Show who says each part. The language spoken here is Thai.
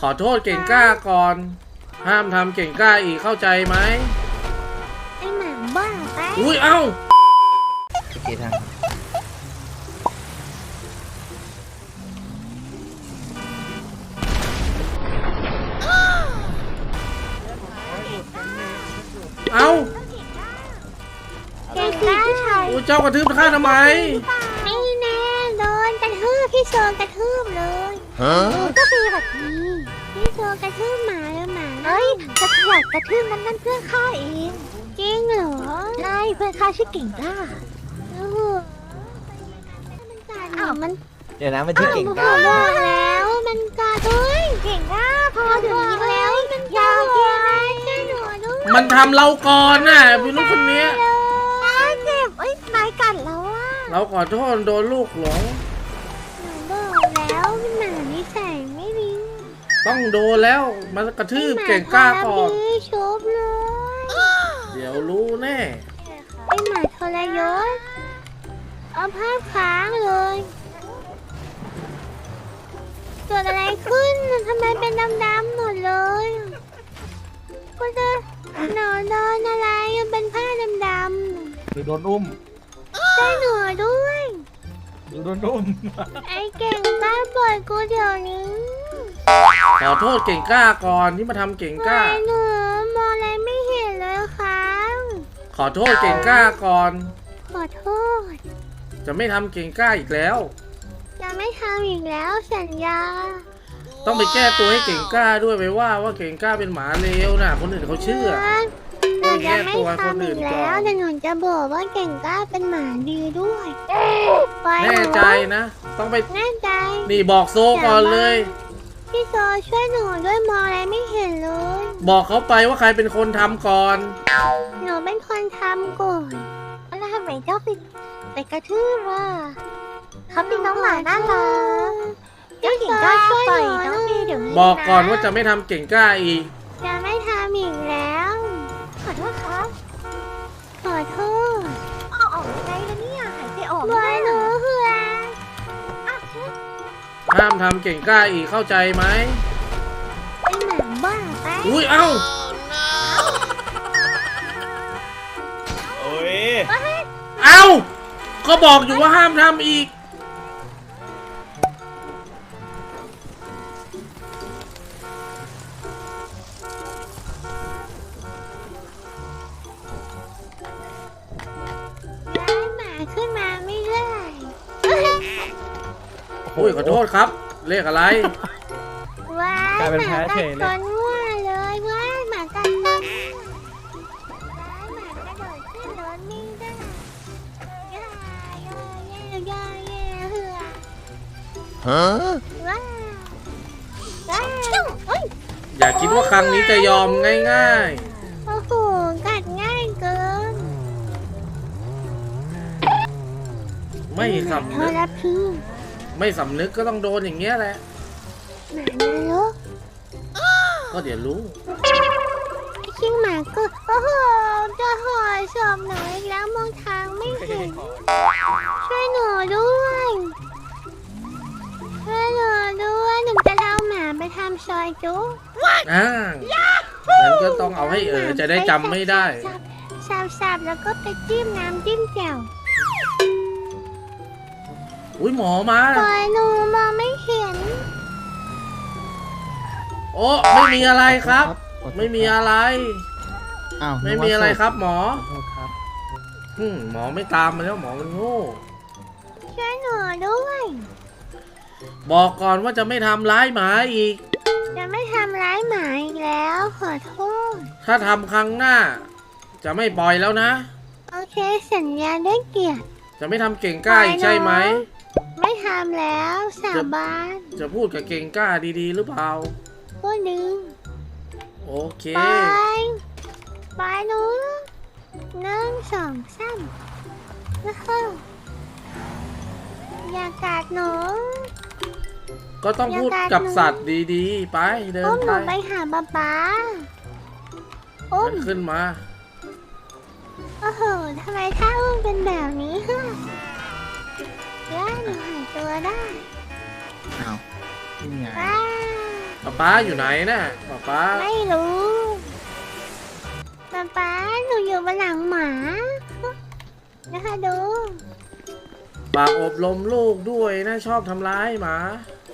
Speaker 1: อโทษเก่งกล้าก่อนห้ามทำเก่งกล้าอีกเข้าใจไหม
Speaker 2: ไอหมาบ้าไป
Speaker 1: อุ้ยเอ้า
Speaker 3: โอเคทาง
Speaker 1: เอ้า
Speaker 2: เก่งกล้าชาย
Speaker 1: เจ้ากระทืบข้าทำไม
Speaker 2: ไม่แน่โดนกระทืบพี่โซกระทืบเลยก็คือแบบนี้พี่โซกระทืบหมาแล้วหมาเฮ้ยกระทืบกระทืบนั่นเพื่อนข้าเองจริงเหรอใช่เพื่อนข้าชื่อเก่งกล้าอ้าวมัน
Speaker 3: เดี๋ยวนะมันชื่อเก่งกล้า
Speaker 2: บอกแล้วมันกาด้วยเก่งกล้าพอถึงนี้แล้วมันยาวแค่ไหนแค่หนูด้วย
Speaker 1: มันทำเราก่อนน่ะพี่ลูกคนนี้
Speaker 2: เจ็บเอ้ยนายกัดแล้วอ่ะ
Speaker 1: เราขอโทษโดนลูกหลง
Speaker 2: หนูบอกแล้วเป็นหมานิสัยไม่ดี
Speaker 1: ต้องโดนแล้วมันกระทืบเก่งกล้าก่อน
Speaker 2: ชบเลย
Speaker 1: เดี๋ยวรู้แน่
Speaker 2: ไอหมาทรยศเอาภาพค้างเลยเกิดอะไรขึ้นทำไมเป็นดำๆหมดเลยก็จะหนอนโดนอะไรมันเป็นผ้าดำ
Speaker 3: ๆหรือโดนอุ้ม
Speaker 2: ใช่หนูด้วย
Speaker 3: หรือโดนอุ้ม
Speaker 2: ไอเก่งกล้าปล่อยกูเดี๋ยวนี้
Speaker 1: ขอโทษเก่งกล้าก่อนที่มาทำเก่งกล้า
Speaker 2: หนูมองอะไรไม่เห็นเลยครับ
Speaker 1: ขอโทษเก่งกล้าก่อน
Speaker 2: ขอโทษ
Speaker 1: จะไม่ทำเก่งกล้าอีกแล้ว
Speaker 2: จะไม่ทำอีกแล้วสัญญา
Speaker 1: ต้องไปแก้ตัวให้เก่งกล้าด้วยไปว่าเก่งกล้าเป็นหมาเลวนะคนอื่นเขาเชื่อ
Speaker 2: หนูจะไม่ทำอีกแล้วแต่หนูจะบอกว่าเก่งกล้าเป็นหมาดีด้วย
Speaker 1: แน่ใจนะต้องไป
Speaker 2: แน่ใจ
Speaker 1: นี่บอกโซก่อนเลย
Speaker 2: พี่โซช่วยหนูด้วยมองอะไรไม่เห็นเลย
Speaker 1: บอกเขาไปว่าใครเป็นคนทำก่อน
Speaker 2: หนูเป็นคนทำก่อนแล้วทำไมเจ้าไปกระทืบล่ะเขาเป็นน้องหมาน่ารักเจ้าเก่งกล้าช่วยหนูน้องดีเดี๋ยวนี้
Speaker 1: บอกก่อนว่าจะไม่ทำเก่งกล้าอีก
Speaker 2: จะไม่ทำอีกแล้วขอโทษครับขอโทษออกไงแล้วเนี่ยหายใจออกด้วยหนูเหือ
Speaker 1: ห้ามทำเก่งกล้าอีกเข้าใจไหม
Speaker 2: ไอหมาบ้าไป
Speaker 1: อุ้ยเอ้า
Speaker 3: โอ้ย
Speaker 1: เอ้าก็บอกอยู่ว่าห้ามทำอีก
Speaker 2: ขึ้นมาไม่ได้
Speaker 1: โอ้ยขอโทษครับเลขอะไร
Speaker 2: ว้าหมากัดคนมั่วเลยว้าหมากัดคนหมากระโดดขึ้นรถไม่ได้ย่าเหือ
Speaker 3: ฮะ
Speaker 2: ว้า
Speaker 1: อย่าคิดว่าครั้งนี้จะยอมง่าย
Speaker 2: ๆโอ้โหกัดง่ายเกิน
Speaker 1: ไม่สำนึกไม่สำนึกก็ต้องโดนอย่างเงี้ยแหละ
Speaker 2: หมานรก
Speaker 1: ก็เดี๋ยวรู้
Speaker 2: ชิงหมาก็โอ้โหจะห่อศพหนูอีกแล้วมองทางไม่เห็นช่วยหนูด้วยช่วยหนูด้วยหนูจะเอาหมาไปทำซอยจุ๊ก
Speaker 1: งั้นก็ต้องเอาให้จะได้จำไม่ได้
Speaker 2: สับแล้วก็ไปจิ้มน้ำจิ้มแจ่ว
Speaker 1: อุ้ยหมอมา
Speaker 2: ปล่อยหนูมองไม่เห็น
Speaker 1: โอ้ไม่มีอะไรครับไม่มีอะไรไม่มีอะไรครับหมอหมอไม่ตามมาแล้วหมอมันโง่
Speaker 2: ช่วยหนูด้วย
Speaker 1: บอกก่อนว่าจะไม่ทำร้ายหมาอีก
Speaker 2: จะไม่ทำร้ายหมาอีกแล้วขอโทษ
Speaker 1: ถ้าทำครั้งหน้าจะไม่ปล่อยแล้วนะ
Speaker 2: โอเคสัญญาได้เกียรติ
Speaker 1: จะไม่ทำเก่งกล้าอีกใช่ไหม
Speaker 2: ไม่ทำแล้วสาบาน
Speaker 1: จะพูดกับเก่งกล้าดีๆหรือเปล่า
Speaker 2: พูดดึง
Speaker 1: โอเค
Speaker 2: ไปหนู1 2 3นะคะอย่ากัดหนู
Speaker 1: ก็ต้องพูดกับสัตว์ดีๆไปเดิน
Speaker 2: ไปไปหาป๊า
Speaker 1: ขึ้นมา
Speaker 2: โอ้โหทำไมท่าอุ้มเป็นแบบนี้ฮะแล้วหนูหายตัวได้
Speaker 3: อ้าวนี่ไง
Speaker 1: ป๊าอยู่ไหนน่ะป๊า
Speaker 2: ไม่รู้ป๊าหนูอยู่บนหลังหมานะคะดู
Speaker 1: ฝากอบรมลูกด้วยนะชอบทำร้ายหมา